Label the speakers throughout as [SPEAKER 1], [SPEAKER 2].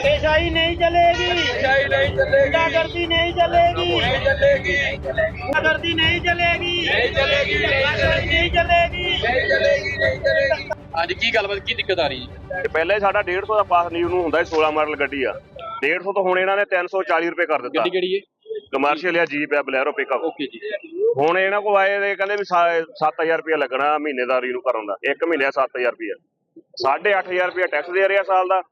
[SPEAKER 1] धक्केशाही नहीं चलेगी,
[SPEAKER 2] धक्केशाही नहीं चलेगी,
[SPEAKER 1] गुंडागर्दी नहीं चलेगी,
[SPEAKER 2] नहीं चलेगी,
[SPEAKER 1] गुंडागर्दी नहीं चलेगी,
[SPEAKER 2] नहीं चलेगी,
[SPEAKER 1] धक्केशाही नहीं चलेगी।
[SPEAKER 2] नहीं चलेगी, नहीं चलेगी। ਹਾਂਜੀ ਕੀ ਗੱਲਬਾਤ ਕੀ ਦਿੱਕਤ ਆ ਰਹੀ ਹੈ?
[SPEAKER 3] ਤੇ ਪਹਿਲੇ ਸਾਡਾ 150 ਦਾ ਪਾਸ ਲੀਵ ਨੂੰ ਹੁੰਦਾ 16 ਮਾਡਲ ਗੱਡੀ ਆ 150 ਤੋਂ ਹੁਣ ਇਹਨਾਂ ਨੇ 340 ਰੁਪਏ ਕਰ ਦਿੱਤਾ।
[SPEAKER 2] ਗੱਡੀ ਕਿਹੜੀ ਹੈ?
[SPEAKER 3] ਕਮਰਸ਼ੀਅਲ ਆ ਜੀਪ ਆ ਬਲੈਰੋ ਪਿਕਅਪ।
[SPEAKER 2] ਓਕੇ ਜੀ।
[SPEAKER 3] ਹੁਣ ਇਹਨਾਂ ਕੋਲ ਆਏ ਤੇ ਕਹਿੰਦੇ ਵੀ 7000 ਰੁਪਏ ਲੱਗਣਾ ਮਹੀਨੇ ਦਾ ਰੀਨੂ ਕਰਨ ਦਾ, ਇੱਕ ਮਹੀਨੇ ਦਾ 7000 ਰੁਪਏ, 8500 ਰੁਪਏ ਟੈਕਸ ਦੇ ਰਿਹਾ ਸਾਲ ਦਾ,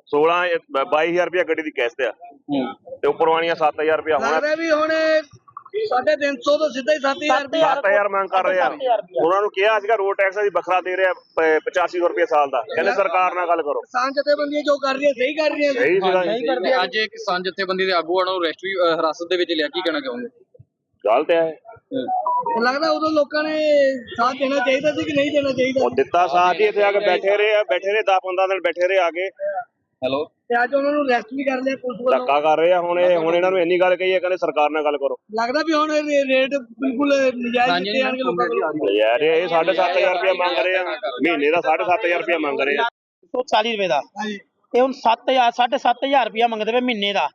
[SPEAKER 3] 22000 ਰੁਪਏ ਗੱਡੀ ਦੀ ਕਿਸ਼ਤ ਆ ਤੇ ਉੱਪਰ ਵਾਲੀਆਂ 7000 ਰੁਪਏ ਹੁਣ
[SPEAKER 1] ਵੀ ਹੁਣ 350 ਤੋਂ ਸਿੱਧਾ ਹੀ
[SPEAKER 3] 7000 ਮੰਗ ਕਰ ਰਹੇ ਆ। ਉਹਨਾਂ ਨੂੰ ਕਿਹਾ ਸੀਗਾ ਰੋਡ ਟੈਕਸ ਦੀ ਵੱਖਰਾ ਦੇ ਰਿਹਾ 8500 ਰੁਪਏ ਸਾਲ ਦਾ, ਕਹਿੰਦੇ ਸਰਕਾਰ ਨਾਲ ਗੱਲ ਕਰੋ।
[SPEAKER 1] ਕਿਸਾਨ ਜਥੇਬੰਦੀਆਂ ਜੋ ਕਰ ਰਹੀਆਂ ਸਹੀ ਕਰ ਰਹੀਆਂ
[SPEAKER 3] ਸਹੀ ਸੀਗਾ
[SPEAKER 2] ਅੱਜ ਇੱਕ ਕਿਸਾਨ ਜਥੇਬੰਦੀ ਦੇ ਆਗੂਆਂ ਨੂੰ ਰੈਸਟਰੀ ਹਿਰਾਸਤ ਦੇ ਵਿੱਚ ਲਿਆ, ਕੀ ਕਹਿਣਾ ਚਾਹੋਗੇ?
[SPEAKER 3] ਗਲਤ ਹੈ।
[SPEAKER 1] ਲੱਗਦਾ ਉਦੋਂ ਲੋਕਾਂ ਨੇ ਸਾਥ ਦੇਣਾ ਚਾਹੀਦਾ ਸੀ ਕਿ ਨਹੀਂ ਦੇਣਾ ਚਾਹੀਦਾ?
[SPEAKER 3] ਉਹ ਦਿੱਤਾ ਸਾਥ ਹੀ, ਇੱਥੇ ਆ ਕੇ ਬੈਠੇ ਰਹੇ 10-15 ਦਿਨ ਬੈਠੇ ਰਹੇ ਆ ਕੇ।
[SPEAKER 2] ਹੈਲੋ।
[SPEAKER 1] ਤੇ ਅੱਜ ਉਹਨਾਂ ਨੂੰ ਅਰੈਸਟ ਵੀ ਕਰ ਲਿਆ ਪੁਲਿਸ ਵੱਲੋਂ।
[SPEAKER 3] ਧੱਕਾ ਕਰ ਰਹੇ ਆ ਹੁਣ ਇਹਨਾਂ ਨੂੰ ਇੰਨੀ ਗੱਲ ਕਹੀ ਹੈ, ਕਹਿੰਦੇ ਸਰਕਾਰ ਨਾਲ ਗੱਲ ਕਰੋ।
[SPEAKER 1] ਲੱਗਦਾ ਵੀ ਹੁਣ ਰੇਟ ਬਿਲਕੁਲ ਨਜਾਇਜ਼ ਦਿੱਤੇ ਜਾਣਗੇ ਲੋਕਾਂ ਕੋਲ।
[SPEAKER 3] ਯਾਰ ਇਹ 7500 ਰੁਪਏ ਮੰਗ ਰਹੇ ਆ ਮਹੀਨੇ ਦਾ, 7500 ਰੁਪਏ ਮੰਗ ਰਹੇ ਆ।
[SPEAKER 4] 140 ਰੁਪਏ ਦਾ ਤੇ ਹੁਣ 7000 7500 ਰੁਪਇਆ ਮੰਗਦੇ ਪਏ ਮਹੀਨੇ ਦਾ।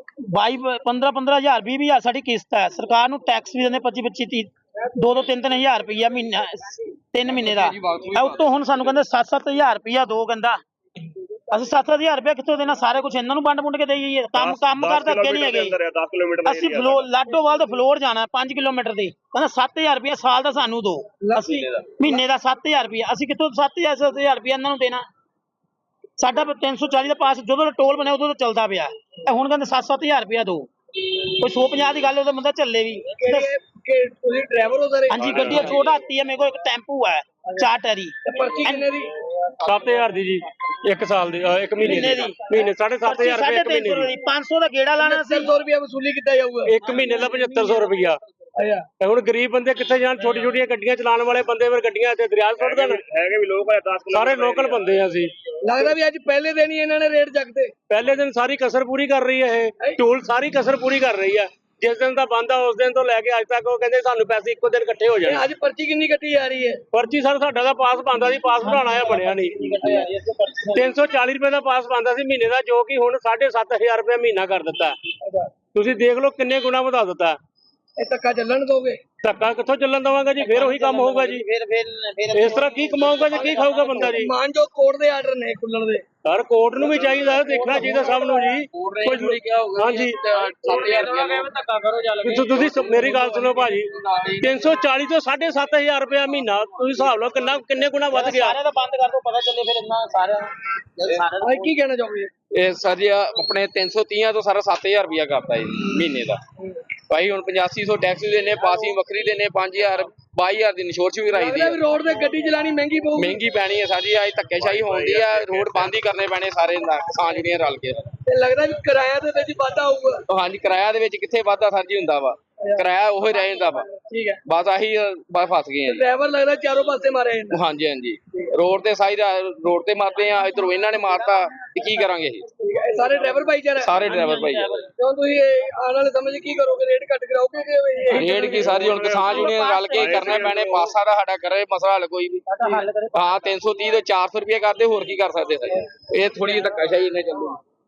[SPEAKER 4] 15-15000 20,000 ਸਾਡੀ ਕਿਸ਼ਤ ਹੈ। ਸਰਕਾਰ ਨੂੰ ਟੈਕਸ ਵੀ ਦਿੰਦੇ 25-25 2-2 3-3000 ਰੁਪਇਆ ਮਹੀਨਾ 3 ਮਹੀਨੇ ਦਾ। ਉੱਤੋਂ ਹੁਣ ਸਾਨੂੰ ਕਹਿੰਦੇ 7-7000 ਰੁਪਇਆ ਦੋ, ਕਹਿੰਦਾ ਅਸੀਂ 7-7000 ਰੁਪਇਆ ਕਿੱਥੋਂ ਦੇਣਾ? ਸਾਰੇ ਕੁਝ ਇਹਨਾਂ ਨੂੰ ਵੰਡ ਮੁੰਡ ਕੇ ਦੇਈਏ। ਕੰਮ ਕਰਦਾ ਅੱਗੇ ਨਹੀਂ ਹੈਗੇ।
[SPEAKER 3] 10 ਕਿਲੋਮੀਟਰ
[SPEAKER 4] ਅਸੀਂ ਲਾਡੋਵਾਲ ਤੋਂ ਫਲੋਰ ਜਾਣਾ 5 ਕਿਲੋਮੀਟਰ ਦੀ, ਕਹਿੰਦਾ 7000 ਰੁਪਇਆ ਸਾਲ ਦਾ ਸਾਨੂੰ ਦੋ, ਅਸੀਂ ਮਹੀਨੇ ਦਾ 7000 ਰੁਪਇਆ, ਅਸੀਂ ਕਿੱਥੋਂ 7000 ਰੁਪਇਆ ਇਹਨਾਂ ਨੂੰ ਦੇਣਾ? ਸਾਡਾ 340 ਦਾ ਪਾਸ ਜਦੋਂ ਟੋਲ ਬਣਿਆ ਉਦੋਂ ਤਾਂ ਚੱਲਦਾ ਪਿਆ, ਹੁਣ ਕਹਿੰਦੇ 7-7000 ਰੁਪਇਆ ਦੋ। ਕੋਈ 150 ਦੀ ਗੱਲ ਉਹਦਾ ਬੰਦਾ ਚੱਲੇ ਵੀ।
[SPEAKER 1] ਤੁਸੀਂ ਡਰਾਈਵਰ ਹੋ ਸਰ?
[SPEAKER 4] ਹਾਂਜੀ, ਗੱਡੀ ਛੋਟਾ ਹਾਥੀ ਹੈ ਮੇਰੇ ਕੋਲ, ਇੱਕ ਟੈਂਪੂ ਹੈ 4 ਟੈਰੀ।
[SPEAKER 1] ਪਰਚੀ ਕਿੰਨੇ ਦੀ?
[SPEAKER 5] 7000 ਦੀ ਜੀ, ਇੱਕ ਸਾਲ ਦੀ, ਇੱਕ ਮਹੀਨੇ ਦੀ, ਮਹੀਨੇ 7500 ਰੁਪਏ ਇੱਕ ਮਹੀਨੇ ਦੀ।
[SPEAKER 4] 500 ਦਾ ਗੇੜਾ ਲਾਣਾ ਸੀ,
[SPEAKER 1] 100 ਰੁਪਏ ਵਸੂਲੀ ਕੀਤਾ ਜਾਊਗਾ
[SPEAKER 5] ਇੱਕ ਮਹੀਨੇ ਦਾ 7500 ਰੁਪਇਆ। ਤੇ ਹੁਣ ਗਰੀਬ ਬੰਦੇ ਕਿੱਥੇ ਜਾਣ? ਛੋਟੀ ਛੋਟੀਆਂ ਗੱਡੀਆਂ ਚਲਾਉਣ ਵਾਲੇ ਬੰਦੇ ਫਿਰ ਗੱਡੀਆਂ ਤੇ ਦਰਿਆ ਸੁੱਟ ਦੇਣ।
[SPEAKER 3] ਹੈਗੇ ਵੀ ਲੋਕ 10
[SPEAKER 5] ਸਾਰੇ ਲੋਕਲ ਬੰਦੇ ਆ ਅਸੀਂ।
[SPEAKER 1] ਲੱਗਦਾ ਵੀ ਅੱਜ ਪਹਿਲੇ ਦਿਨ ਹੀ ਇਹਨਾਂ ਨੇ ਰੇਟ ਚੱਕਦੇ।
[SPEAKER 5] ਪਹਿਲੇ ਦਿਨ ਸਾਰੀ ਕਸਰ ਪੂਰੀ ਕਰ ਰਹੀ ਹੈ ਇਹ ਟੂਲ, ਸਾਰੀ ਕਸਰ ਪੂਰੀ ਕਰ ਰਹੀ ਹੈ। ਜਿਸ ਦਿਨ ਦਾ ਬੰਦ ਆ ਉਸ ਦਿਨ ਤੋਂ ਲੈ ਕੇ ਅੱਜ ਤੱਕ ਉਹ ਕਹਿੰਦੇ ਸਾਨੂੰ ਪੈਸੇ ਇੱਕੋ ਦਿਨ ਇਕੱਠੇ ਹੋ ਜਾਣ।
[SPEAKER 1] ਅੱਜ ਪਰਚੀ ਕਿੰਨੀ ਕੱਟੀ ਜਾ ਰਹੀ ਹੈ?
[SPEAKER 5] ਪਰਚੀ ਸਰ ਸਾਡਾ ਦਾ ਪਾਸ ਬਣਦਾ ਸੀ, ਪਾਸ ਬਣਾਉਣਾ ਆ ਬਣਿਆ ਨਹੀਂ। 340 ਰੁਪਏ ਦਾ ਪਾਸ ਬਣਦਾ ਸੀ ਮਹੀਨੇ ਦਾ, ਜੋ ਕਿ ਹੁਣ 7500 ਰੁਪਏ ਮਹੀਨਾ ਕਰ ਦਿੱਤਾ। ਤੁਸੀਂ ਦੇਖ ਲਓ ਕਿੰਨੇ ਗੁਣਾ ਵਧਾ ਦਿੱਤਾ।
[SPEAKER 1] ਇਹ ਧੱਕਾ ਚੱਲਣ ਦੋਗੇ?
[SPEAKER 5] ਧੱਕਾ ਕਿੱਥੋਂ ਚੱਲਣ ਦਵਾਂਗਾ ਜੀ? ਫਿਰ ਉਹੀ ਕੰਮ ਹੋਊਗਾ ਜੀ। ਇਸ ਤਰ੍ਹਾਂ ਕੀ ਕਮਾਊਗਾ ਜੀ, ਕੀ ਖਾਊਗਾ ਬੰਦਾ ਜੀ?
[SPEAKER 1] ਮਾਨ ਜੋ ਕੋਰਟ ਦੇ ਆਰਡਰ ਨੇ ਖੁੱਲਣ ਦੇ,
[SPEAKER 5] ਸਰ ਕੋਰਟ ਨੂੰ ਵੀ ਚਾਹੀਦਾ, ਦੇਖਣਾ ਚਾਹੀਦਾ ਸਭ ਨੂੰ ਜੀ। ਹਾਂਜੀ, ਤੁਸੀਂ ਮੇਰੀ ਗੱਲ ਸੁਣੋ ਭਾਜੀ, 340 ਤੋਂ 7500 ਰੁਪਇਆ ਮਹੀਨਾ, ਤੁਸੀਂ ਹਿਸਾਬ ਲਓ ਕਿੰਨੇ ਗੁਣਾ ਵੱਧ ਗਿਆ।
[SPEAKER 4] ਸਾਰਿਆਂ ਦਾ ਬੰਦ ਕਰ ਦੋ, ਪਤਾ ਚੱਲੇ ਫਿਰ ਇੰਨਾ ਸਾਰਿਆਂ।
[SPEAKER 1] ਕੀ ਕਹਿਣਾ ਚਾਹੋਗੇ?
[SPEAKER 2] ਇਹ ਸਰ ਜੀ ਆਪਣੇ 330 ਤੋਂ ਸਾਰਾ 7000 ਰੁਪਇਆ ਕਰਤਾ ਜੀ ਮਹੀਨੇ ਦਾ। ਭਾਈ ਹੁਣ 8500 ਟੈਕਸ ਦੇਣੇ, ਪਾਸਿੰਗ ਵੱਖਰੀ ਦੇਣੇ, 5000 22,000 ਦੀ ਇੰਸ਼ੋਰੈਂਸ ਵੀ ਕਰਾਈ ਦੀ ਹੈ।
[SPEAKER 1] ਰੋਡ ਤੇ ਗੱਡੀ ਚਲਾਣੀ ਮਹਿੰਗੀ ਪਊਗੀ।
[SPEAKER 2] ਮਹਿੰਗੀ ਪੈਣੀ ਹੈ ਸਾਡੀ, ਅੱਜ ਧੱਕੇਸ਼ਾਹੀ ਹੋਣੀ ਆ, ਰੋਡ ਬੰਦ ਹੀ ਕਰਨੇ ਪੈਣੇ ਸਾਰੇ ਕਿਸਾਨ ਯੂਨੀਅਨ ਰਲ ਕੇ।
[SPEAKER 1] ਤੇ ਲੱਗਦਾ ਵੀ ਕਿਰਾਇਆ ਦੇ ਵਿੱਚ ਵਾਧਾ ਹੋਊਗਾ।
[SPEAKER 2] ਹਾਂਜੀ, ਕਿਰਾਇਆ ਦੇ ਵਿੱਚ ਕਿੱਥੇ ਵਾਧਾ ਸਰ ਜੀ ਹੁੰਦਾ ਵਾ, ਕਿਰਾਇਆ ਉਹੀ ਰਹਿ ਜਾਂਦਾ ਵਾ।
[SPEAKER 1] ਠੀਕ ਹੈ,
[SPEAKER 2] ਬਸ ਆਹੀ ਫਸ ਗਏ ਆ ਜੀ।
[SPEAKER 1] ਡਰਾਈਵਰ ਲੱਗਦਾ ਚਾਰੋਂ ਪਾਸੇ ਮਾਰੇ।
[SPEAKER 2] ਹਾਂਜੀ ਹਾਂਜੀ, ਰੋਡ ਤੇ ਸਾਈ ਰੋਡ ਤੇ ਮਾਰਦੇ ਆ, ਇਧਰੋਂ ਇਹਨਾਂ ਨੇ ਮਾਰਤਾ ਤੇ ਕੀ ਕਰਾਂਗੇ ਅਸੀਂ?
[SPEAKER 1] ਸਾਰੇ ਡਰਾਈਵਰ ਭਾਈਚਾਰਾ,
[SPEAKER 2] ਸਾਰੇ ਡਰਾਈਵਰ ਭਾਈ।
[SPEAKER 1] ਕਿਉਂ ਤੁਸੀਂ ਆਉਣ ਵਾਲੇ ਸਮੇਂ 'ਚ ਕੀ ਕਰੋਗੇ? ਰੇਟ ਘੱਟ ਕਰਾਓਗੇ ਕਿ
[SPEAKER 2] ਰੇਟ ਕੀ ਸਾਰੀ ਹੁਣ ਕਿਸਾਨ ਯੂਨੀਅਨ ਰਲ ਕੇ ਕਰਨੇ ਪੈਣੇ, ਪਾਸਾ ਦਾ ਸਾਡਾ ਕਰੇ ਮਸਲਾ ਹੱਲ ਕੋਈ ਵੀ। ਹਾਂ 330 ਤੋਂ 400 ਰੁਪਏ ਕਰਦੇ, ਹੋਰ ਕੀ ਕਰ ਸਕਦੇ ਸਰ? ਇਹ ਥੋੜੀ ਧੱਕਾਸ਼ਾਹੀ ਇਹਨੇ ਚੱਲੂ।